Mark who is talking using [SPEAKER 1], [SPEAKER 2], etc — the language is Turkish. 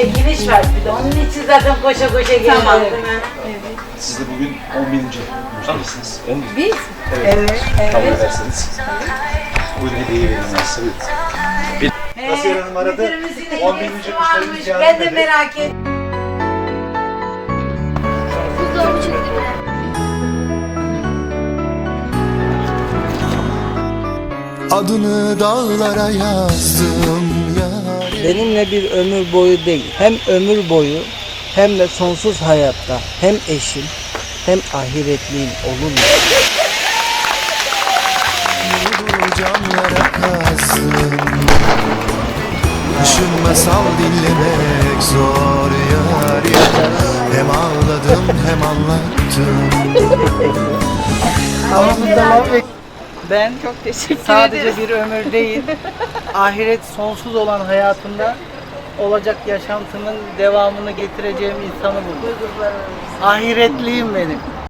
[SPEAKER 1] çekiliş var bir de. Onun için zaten koşa koşa geldim.
[SPEAKER 2] Tamam.
[SPEAKER 3] Siz de bugün 10.000. müşterisiniz.
[SPEAKER 2] Biz?
[SPEAKER 1] Evet.
[SPEAKER 3] Kabul ederseniz. Bugün hediyeyi vereyim ben size. Kasiyer Hanım aradı. 10.000. müşterimiz yardım
[SPEAKER 1] Ben de
[SPEAKER 3] dedi.
[SPEAKER 1] merak ettim.
[SPEAKER 4] Buzdolabı çekti bile.
[SPEAKER 5] Adını dağlara yazdım ya.
[SPEAKER 6] Benimle bir ömür boyu değil, hem ömür boyu hem de sonsuz hayatta hem eşim hem ahiretliğim olur mu?
[SPEAKER 5] Camlara kazdım. Kışın masal dinlemek zor yar ya. Hem ağladım hem anlattım.
[SPEAKER 6] Ben
[SPEAKER 2] Çok teşekkür
[SPEAKER 6] sadece
[SPEAKER 2] ederiz.
[SPEAKER 6] bir ömür değil, ahiret sonsuz olan hayatımda olacak yaşantımın devamını getireceğim insanı buldum. Ahiretliyim benim.